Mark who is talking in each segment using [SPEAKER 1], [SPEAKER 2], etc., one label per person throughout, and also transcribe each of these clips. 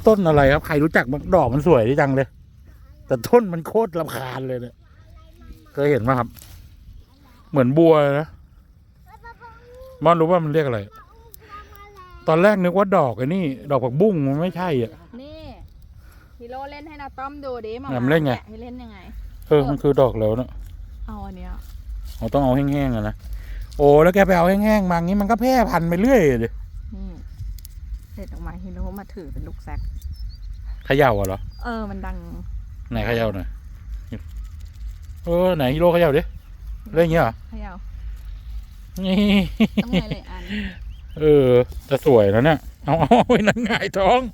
[SPEAKER 1] ต้นอะไรครับใครรู้จักบ้างดอกมันสวยดีจังเลยแต่ต้นมันโคตรรำคาญเลยเนี่ยเคยเห็นไหมครับ เหมือนบัวนะมอนรู้ว่ามันเรียกอะไรตอนแรกนึกว่าดอกไอ้นี่ดอกผักบุ้งมันไม่ใช่อ่ะ
[SPEAKER 2] นี่ฮีโร่เล่นให้นาต้อมดูดิมา
[SPEAKER 1] เล่นไง
[SPEAKER 2] ให้เล่นยังไง
[SPEAKER 1] มันคือดอกแล้วเนอะ
[SPEAKER 2] เอาอันเนี้ย
[SPEAKER 1] เราต้องเอาแห้งๆอะนะโอ้แล้วแกไปเอาแห้งๆมางี้มันก็แพร่พันธุ์ไปเรื่อยเลย
[SPEAKER 2] เด็ดออกมาฮีโร่มาถือเป็นลูกแซก
[SPEAKER 1] เขย่าเหรอ
[SPEAKER 2] มันดัง
[SPEAKER 1] ไหนเขย่าหน่อยไหนฮีโร่เขย่าดิเล่นอย่างเงี้ยเหรอ
[SPEAKER 2] เขย่า
[SPEAKER 1] นี่
[SPEAKER 2] ต้องไงเลยอัน
[SPEAKER 1] จะสวยแล้วเนี่ยเอาไว้นั่งหงายท้อง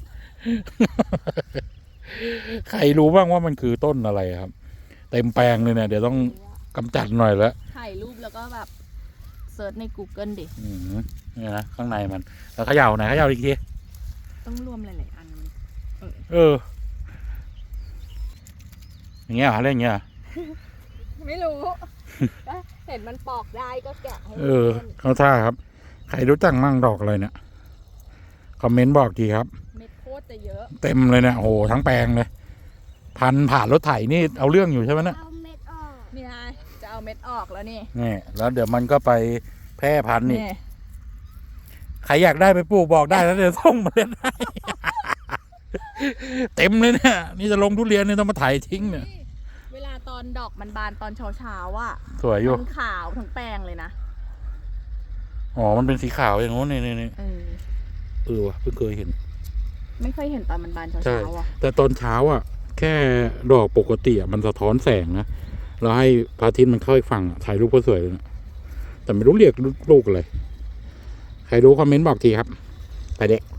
[SPEAKER 1] ใครรู้บ้างว่ามันคือต้นอะไรครับเต็มแปลงเลยเนี่ยเดี๋ยวต้องกำจัดหน่อยแล้ว
[SPEAKER 2] ถ่ายรูปแล้วก็แบบเซิร์ชใน Google ดิ
[SPEAKER 1] นี่นะข้างในมันแล้วเขย่าไหนเขย่าอีกที
[SPEAKER 2] ต้องรวมหลายๆอันมัน
[SPEAKER 1] อย่างเงี้ยเล่นอย่างเงี้ย
[SPEAKER 2] ไม่รู้เห็นมันปอกได้ก็แกะให้
[SPEAKER 1] เขาท่าครับใครรู้จักมั่งดอกอะไรเนี่ยคอมเมนต์บอกทีครับ
[SPEAKER 2] เม็ดโคตรจะเยอะ
[SPEAKER 1] เต็มเลยเนี่ยโอ้โหทั้งแปลงเลยพันผ่านรถไถนี่เอาเรื่องอยู่ใช่ไหมเนี่ย
[SPEAKER 2] เอาเม็ดออกนี่ไงจะเอาเม็ดออกแล้วนี่
[SPEAKER 1] แล้วเดี๋ยวมันก็ไปแพร่พันธุ์นี่ใครอยากได้ไปปลูกบอกได้แล้วเดี๋ยวส่งมาเล่นให้เต็มเลยเนี่ยนี่จะลงทุเรียนนี่ต้องมาไถทิ้งเนี่ย
[SPEAKER 2] เวลาตอนดอกมันบานตอนเช้าอ่ะ
[SPEAKER 1] สวยอยู่
[SPEAKER 2] มันขาวทั้งแปลงเลยนะ
[SPEAKER 1] มันเป็นสีขาวอย่างงู้นนี่ว่ะเพิ่งเคยเห็น
[SPEAKER 2] ไม่เคยเห็นตอนมันบานเช้าอ่ะ
[SPEAKER 1] แต่ตอนเช้าอ่ะแค่ดอกปกติมันสะท้อนแสงนะเราให้พระอาทิตย์มันเข้าอีกฝั่งถ่ายรูปก็สวยเลยนะแต่ไม่รู้เรียกลูกอะไรใครรู้คอมเมนต์บอกทีครับไปเด็ก